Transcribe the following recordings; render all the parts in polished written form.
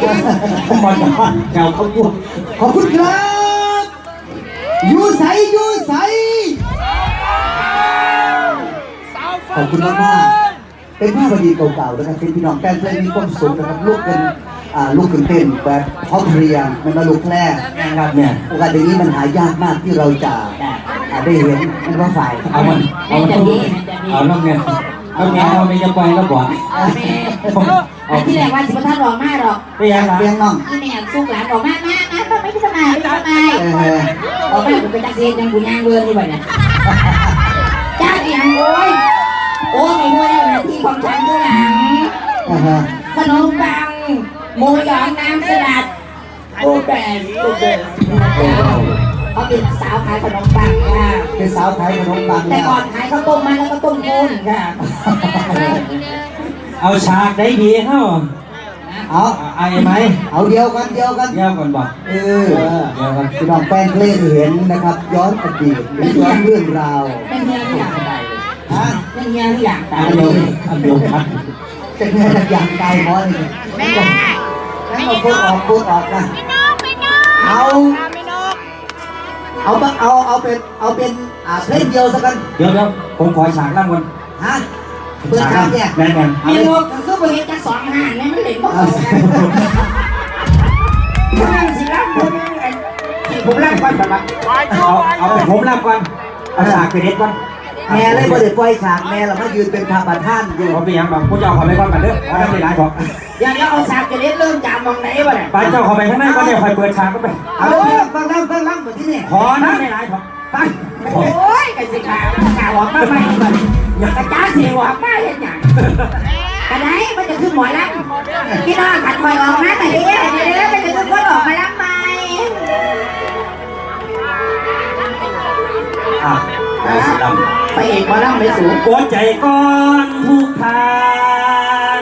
มาแถวเขาตัวขอบคุณครับยูใสขอบคุณมากๆเป็นภาพดีเก่าๆนะครับเป็นพี่น้องแฟนเพลงมีความสุขนะครับลูกเต้นแบบพร้อมเพรียงมันมาลูกแรกนะครับเนี่ยโอกาสอย่างนี้มันหายากมากที่เราจะได้เห็นมันว่าฝ่ายเอาน้องเงี้ยเราไม่จะไปแล้วบอกที่แรกว่าสิบท่านรอมากหรอกเปียงน้องที่แม่สู้หลานรอมากก็ไม่สบายออกมาผมเป็นจักรเซียนยังบุญยางเวิร์นนี่บ่เนี่ยจ้าเสียงโอ้ไม่รู้แล้วนะที่ของฉันข้างหลังขนมปังหมูหยองน้ำสลัดกูเบสเขาเป็นสาวขายขนมปังค่ะเป็นสาวขายขนมปังแต่ก่อนขายข้าวต้มมันแล้วก็ต้มกุ้งค่ะเอาฉากได้ดีเข้าเอาไหมเอาเดียวกันบอกเดี๋ยวกันพี่น้องแฟนเพลงเห็นนะครับย้อนอดีตย้อนเรื่องราวเป็นเงี้ยทุกอย่างไปเป็นเงี้ยทุกอย่างไปอันเดียวครับเป็นเงี้ยทุกอย่างไปเพราะนี่แม่แล้วมาพูดออกนะเอาเป็นเพลงเดียวสักกันเดี๋ยวผมขอฉากล่ำก่อนฮะเปิดฉากเนี่ยแม่มีโลกคือประเทศจะสอนหานเนี่ยมันเด็กบ้าสิล่ำผมล่ำก่อนแบบเอาผมล่ำก่อนเอาฉากไปเด็ดก่อนแม่เลยบ่ได้ปล่อยฉากแม่เรามายืนเป็นพระประธานอยู่เขาเป็นยังบางผู้เจ้าขอไปก่อนกันเด้อไม่ได้หลายของอย่างนี้เอาฉากจะเด็ดเริ่มจากมองไหนวะเนี่ยไปเจ้าขอไปข้างหน้าก็เดี๋ยวคอยเปิดฉากก็ไปเอาฟังล่ำเหมือนที่นี่ขอนะไม่หลายของฟังโอ้ยไอ้สิข่าวออกมาไม่ก่อนอยากกระจ้าเสียออกมาเห็นอย่างกระไดมันจะขึ้นหมอลำพี่น้องขัดคอยออกมาแต่เดี๋ยวมันจะขึ้นคนออกมาลำไหมไปเอกมาลำไม่สูงหัวใจก้อนทุกทาง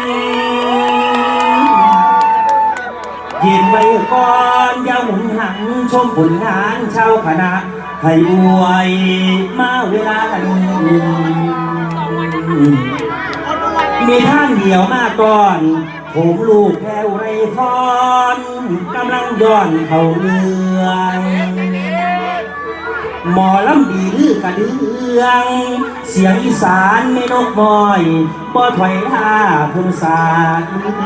ยืนไว้ก่อนอย่าหมุนหันชมผลงานชาวคณะให้อวยมาเวลามีท่านเดียวมาก่อนผมลูกแพ้วไรฟอนกำลังย้อนเข้าเรื่องหมอลำดีลือกระเดืองเสียงอีสานไม่นกมอยบ่ถอยท่าพุ่นสาน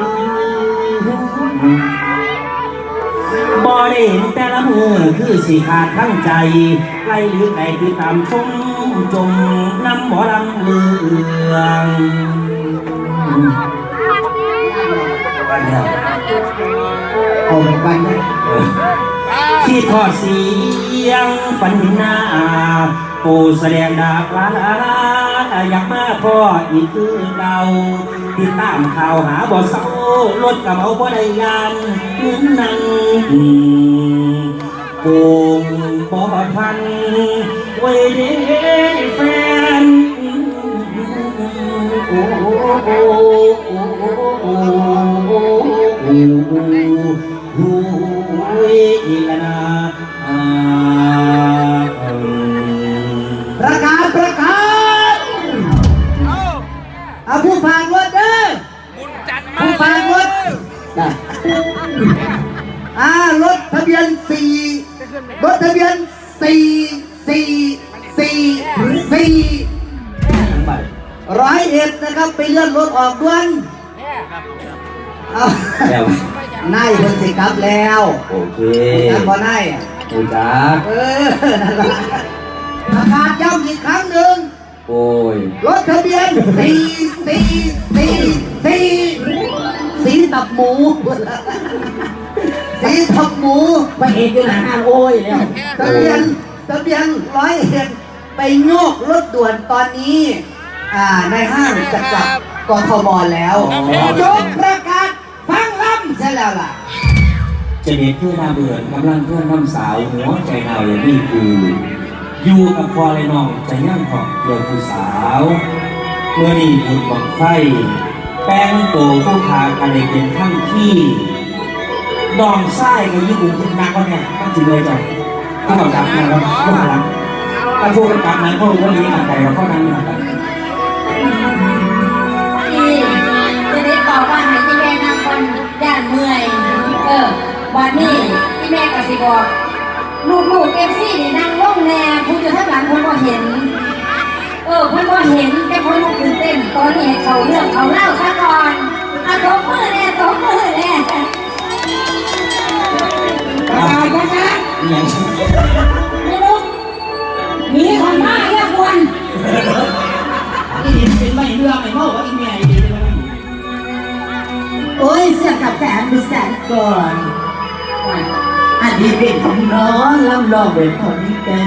บ่ได้เห็นแต่ละมือคือสิขาดทั้งใจไล่หรือไก่คือตามชมจมน้ำหมอลำเลืองเอาไปกันนะที่ทอดเสียงฝันหน้าปูแสดงดาบลาอยากมาพ่ออีกคือเราติดตามข่าวหาบ่อเศร้ารถกับเอาบ่ได้ยานเงินนั่งโกงบ่พันไว้เด้แฟนโอ้อีละนาประกาศผู้ฝากรถเด้อผู้ฝากรถรถทะเบียน4101นะครับไปเลื่อนรถออกด่วนนายเพิ่งสิครับแล้วโอเคนั่นบ่นายโอ้จ้านั่นแหละประกาศย้ำอีกครั้งหนึ่งโอ้ยรถทะเบียนสีตับหมูไปเอกอยู่หน้าห้างโอ้ยแล้วทะเบียน101ไปโยกรถด่วนตอนนี้ในห้างจะกลับกทมแล้วยกประกาศฟังลำใช่แล้วล่ะจะเด็ดเพื่อนาเบื่อกำลังเพื่อนน้ำสาวหัวใจหนาวอย่างนี้คืออยู่กับพอเลยน้องใจย่างของเรือผู้สาวเมื่อนี้บุญบังไฟแป้งโตผู้พากันเด็กเป็นทั้งที่ดองไส้กับญี่ปุ่นคุณนักเนี่ยตั้งจริงเลยจ้ะที่เขาจับนะครับก็มาแล้วถ้าพูดกันกลับนั้นเขารู้ว่านี้อ่านแต่เขานั้นนะครับจะได้บอกว่าให้ที่แม่นำคนย่านเมื่อยวันนี้ที่แม่ก็สิบอกลูกเอฟซีนี่นั่งล่องแน่ผู้อยู่ข้างหลังคนก็เห็นคนก็เห็นแต่คนก็ตื่นเต้นตอนนี้เขาเรื่องเขาเล่าซะก่อนเอาตบมือแน่ตบมือแน่นะคะไม่รู้มีคนมาเรียกวนอีเป็นไม่เรื่องไม่เมาว่าอีเมียอีโอ้ยเสียกับแฟนดูแสนก่อนอันนี้เป็นของน้องลำลองเป็นคนนี้เป็น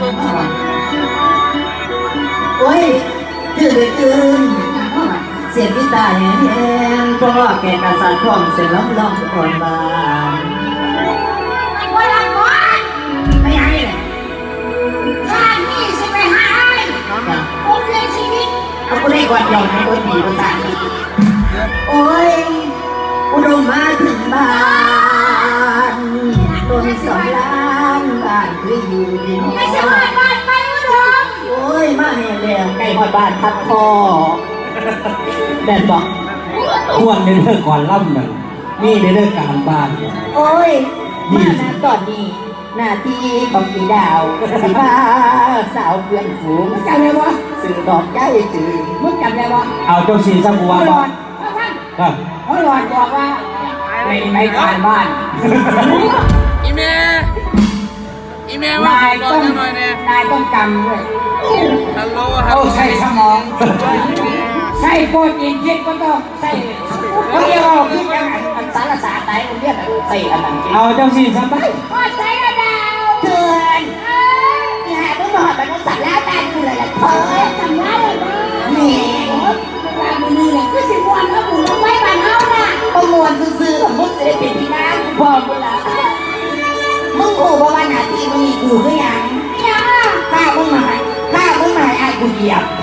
โอ้ยตื่นเสียงที่ตายแห้งเพราะว่าแกอาสาท่องเสียงลองก่อนบ้านว่าละก่อนไม่ยังเลยข้านี่จะไปหาผมเลี้ยงชีวิตเอากูได้กว่าหยอกในคนดีภาษาโอ้ยอุดมมาถึงบ้านต้นสองล้านบ้านคืออยู่ดินไม่ใช่บ้านไปอุดมโอ้ยมาให้เลี้ยงไก่หอดบ้านพักคอแดนบอกควรในเรื่องก่อนล่ำนั่นนี่ในเรื่องการบ้านโอ้ยมาณตอนนี้หน้าที่ของพี่ดาวสิพาสาวเพื่อนฝูงจำได้ปะสื่อดอกใจจืดมึงจำได้ปะเอาเจ้าสีสักวัน ครับพ่อหลอดบอกว่าไปการบ้านอีเมลว่านายต้องนายต้องจำด้วยฮัลโหลฮัลโหลใช้สมองใช้โปรตีนเช็คก็ต้องใช้เขาเรียกว่าคือยังอันสารศาสตร์ไหนมันเรียกใส่อันนั้นเอาเจ้าสีสักไปพ่อใช้กระดาวเถื่อนนี่ฮะต้องบอกเป็นภาษาลาวแต่คืออะไรเธอจำได้เลยนี่ว่ามือนี่แหละคือสิบวันเขาบุญแล้วไม่บานเขาน่ะประมวลซื่อๆของมึงจะได้เป็นที่นั่งบอกกูละมึงกูบอกว่าหน้าที่มึงมีกูคือยังข้ามึงมาไอ้กูเหยียบ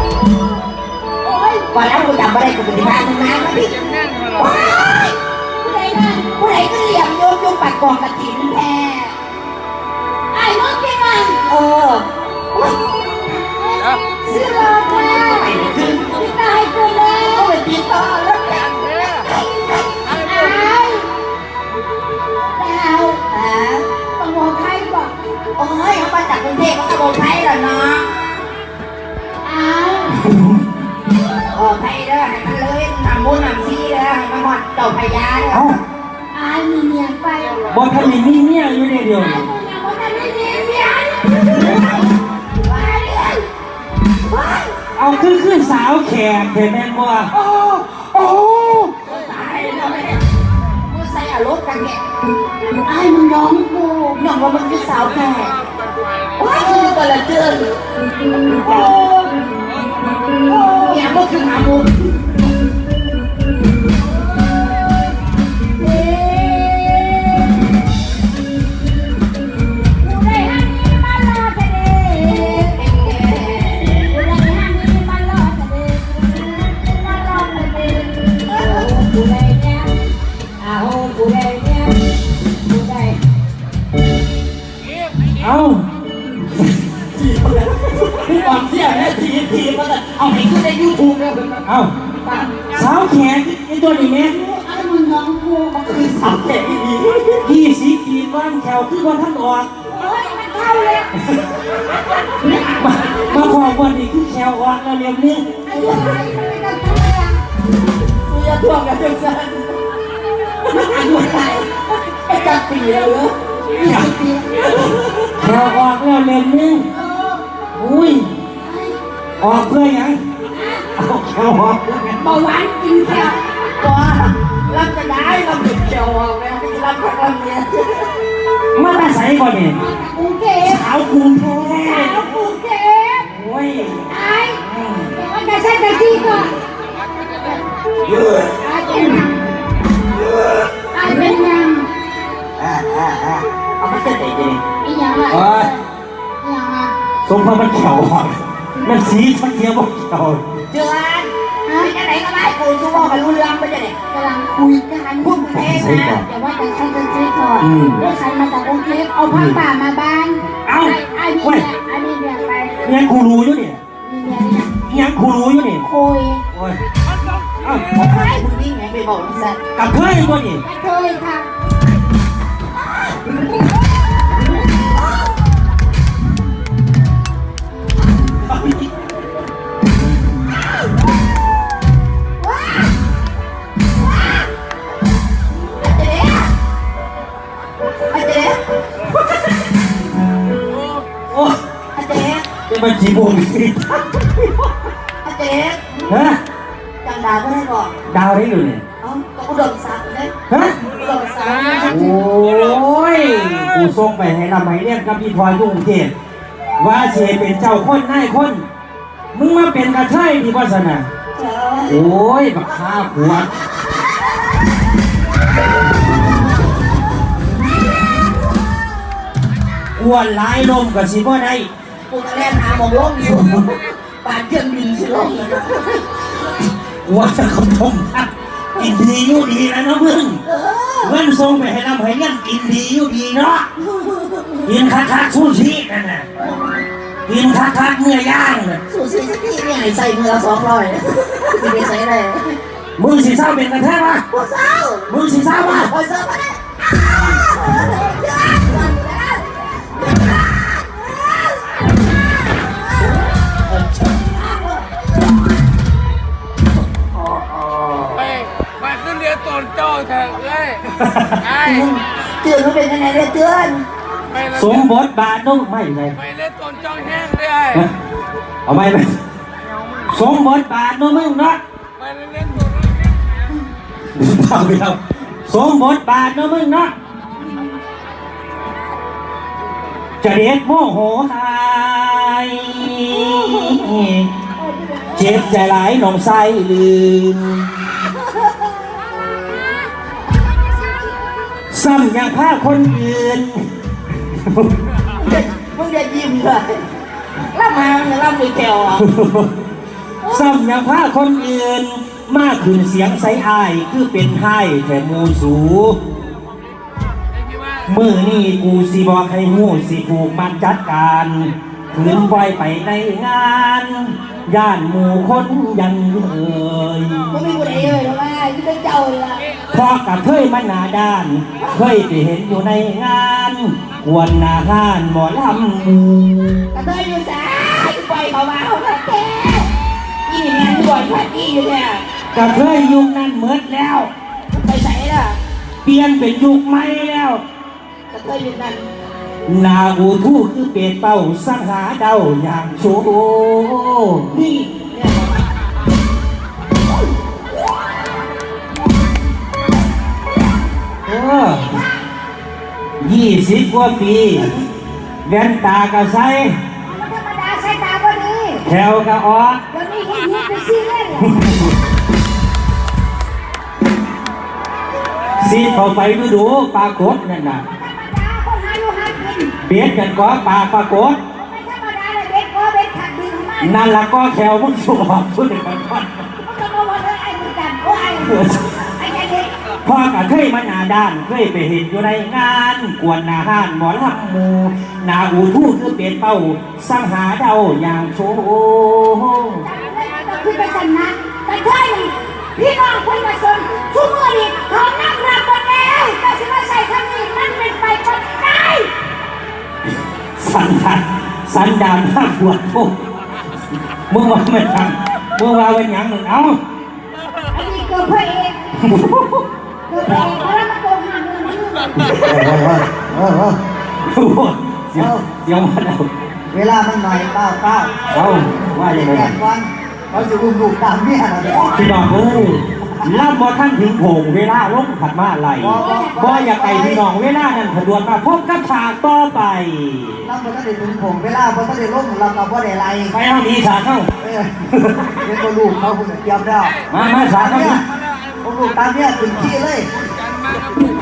ก่อนแล้วกูจำไม่ได้กูเป็นที่บ้านมึงนะมาดิผู้ใดก็เหลี่ยมโยมปัดกองกระถิ่นแท้ไอ้มึงเป็นไงเสื้อลอยแล้วติดตายกูแล้วไปติดต่อแล้วกันต้องบอกใครบอกโอ้ยเขามาจากกรุงเทพเขาจะบอกใครเหรอเนาะบอกใครเด้อให้มันเลยทำบุญทำซีเด้อให้มันหอดเจ้าพญาเด้อมีเมียไปบอทันมีเมียอยู่ในเดียวเอาขึ้นสาวแขกเห็นแม่บ่โอ้ตายแล้วแม่มึงใส่อารมณ์กันแกไอ้มึงน้องกูน้องว่ามึงคือสาวแขกว้าคือกันละเจือนเนี่ยมึงคือหาบุญเอาพี่บอลเสียนะทีมันเอาให้ขึ้นในยูทูบเลยเอาสาวแขกไอ้ตัวนี้แม่ไอ้มึงน้องกูมันคือสาวแขก 20 ปีบ้านแถวคือวันท่านออกโอ้ยมันเข้าเลยมาพอวันนี้คือแถวออกแล้วเรียบนี้ไอ้ยังไงไม่ต้องทำอะไรกูจะทวงกับเพื่อนฉันอายุเท่าไหร่ไอ้จับปีแล้วเหรอแถวออกแล้วเรียบนี้อุ้ยออกเพื่อยังเอาแถวออกเบาหวานกินแค่ตัวรับจะได้เราหยุดแถวออกแล้วไม่รับกับเราเนี่ยมาแต่ใส่ก่อนเนี่ยกรุงเทพสาวกรุงเทพโอ้ยไอ้มันจะใช่แต่ที่ก่อนไอ้เป็นยังเอามาเต้นไหนดิไอ้ยังไงยังไงสมพระมันเขียวอ่ะมันสีชักเทียบบอกเขียวเจือนไปไหนก็ได้กูชั่วโมงกันรู้เรื่องไปจะเนี่ยกำลังคุยกันพูดเพลงนะแต่ว่าแต่ฉันเป็นซีก่อนด้วยฉันมาจากกรุงเทพเอาผ้าป่ามาบ้านไอ้นี่เนี่ยไปเนี่ยครูรู้อยู่เนี่ยยังครูรู้อยู่เนี่ยคุยโอ้ยใครคุณวิ่งไงไปบอกสัตว์กับเพื่อนตัวนี้เคยค่ะโอ้จะมาจีบงสิฮะจังดาวก็ได้บอกดาวได้อยู่เนี่ยเอ้าก็อุดมศักดิ์เลยฮะอุดมศักดิ์โอ้ยกูส่งไปให้นำให้เรียกกับพี่พลอยยุ่งเทพว่าเสเป็นเจ้าคนนายคนมึงมาเป็นกระเทยดีวาสนาโอ้ยบักข้าหัวอ้วนหลายลมกับสิบ่ได้กูจะเล่นหาหมองล้มอยู่ปาดเครื่องบินสิลงเลยนะว่าจะคำทมทักกินดีอยู่ดีนะน้องมึงเงินส่งไปให้นำให้เงินกินดีอยู่ดีเนาะกินคักๆสู้ชีนั่นน่ะกินคักๆเมื่อย่างน่ะสูสีสักทีเนี่ยใส่มือ200ที่ไปใส่เลยมึงสิเศร้าเป็นกันแท้ปะโอ้เศร้ามึงสิเศร้าปะโอ้เศร้ามาเนี่ยไปขึ้นเรือตนเจ้าเถอะเลยไอ้เตือนมันเป็นยังไงเนี่ยเตือนสมบทบาทนู้ไม่เลยไปเรือตนเจ้าแห้งเลยเอาไปเลยสมบทบาทนู้มึงเนาะไปเรือตนเอาไปเอาสมบทบาทนู้มึงเนาะจะเด็ดโมโหหายเจ็บใจหลายหนองไส้ลืมซ้ำยังฆ่าคนอื่นมึงจะยิ้มเลยแล้วมาเนี่ยเราไม่แก้วอ่ะซ้ำยังฆ่าคนอื่นมากขึ้นเสียงใสอายคือเป็นไห้แต่มูสูมือนี่กูสิบอกให้หูสิผูกมันจัดการขืนไว้ไปในงานย่านหมู่คนยันเอ่ยมึงไม่กูได้เลยทำไมที่เป็นเจ้าเลยล่ะพอกับเคยมาหนาด้านเคยไปเห็นอยู่ในงานกวนหนาห้านหมอลำหมูกระเทยอยู่สายปล่อยเขามาเขาแก่ยี่นี่แม่งบ่อยพัดยี่อยู่เนี่ยกับเคยยุคนั้นเมิดแล้วไปใส่ล่ะเปลี่ยนเป็นยุคใหม่แล้วกระเทยอยู่นั่นนาอูทู่คือเป็ดเป้าสังหาเดาอย่างโชว์นี่เนี่ย 20 กว่าปีแว่นตากระใสมันธรรมดาใส่ตาพอดีแถวกระออกเดี๋ยวนี้เห็นเห็นไปซื้อเลยซีดเข้าไปดูดูปลากดนั่นน่ะธรรมดาคนหาอยู่หากินเบียดกันก็ปลากดไม่ธรรมดาเลยเบ็ดก็เบ็ดขัดดินของมันนั่นละก็แถวมึงสอบชุดเดียวกันก่อนมันก็มาว่าเลยไอ้มือกันโอ้ไอ้ไอ้เด็กพ่อก็เคยมาหนาด้านเคยไปเห็นอยู่ในงานกวนหนาห้านหมอลำหมูนาอูทู่คือเป็ดเป้าสังหาเดาอย่างโชว์ก็คือไปชนะแต่เธอนี่พี่น้องคนมาชนทุกมือนี่เขานั่งรับหมดแล้วแต่ฉันมาใส่คำนี้มันเป็นไปก็ได้สันดานภาคปวดทุกมึงว่ามันทำมึงว่าเป็นหยังมึงเอาอันนี้เกิดพระเอกเกิดพระเอกแล้วมาโกงหาเงินนี่เดี๋ยวมาเอาเวลามันหน่อยเป้าเอาว่าอย่างไรแก่ก่อนเขาจะอุ้มลูกตามเมียเราเด้อพี่น้องเอ้ยล่ำบอท่านถึงโผงเวลาล้มขัดมาไหลบ่อยากไปพี่น้องเวลานั้นผดวนมาพบกับฉากต่อไปเราบ่ต้องได้ถึงผมเวลาบ่ต้องได้ลงเราก็บ่ได้ไล่ไปเอาดีฉากเข้าเป็นตัวลูกเขาคุณเตรียมแล้วมาฉากเข้าเนี่ยผมลูกตามเมียถึงที่เลยกันมาครับ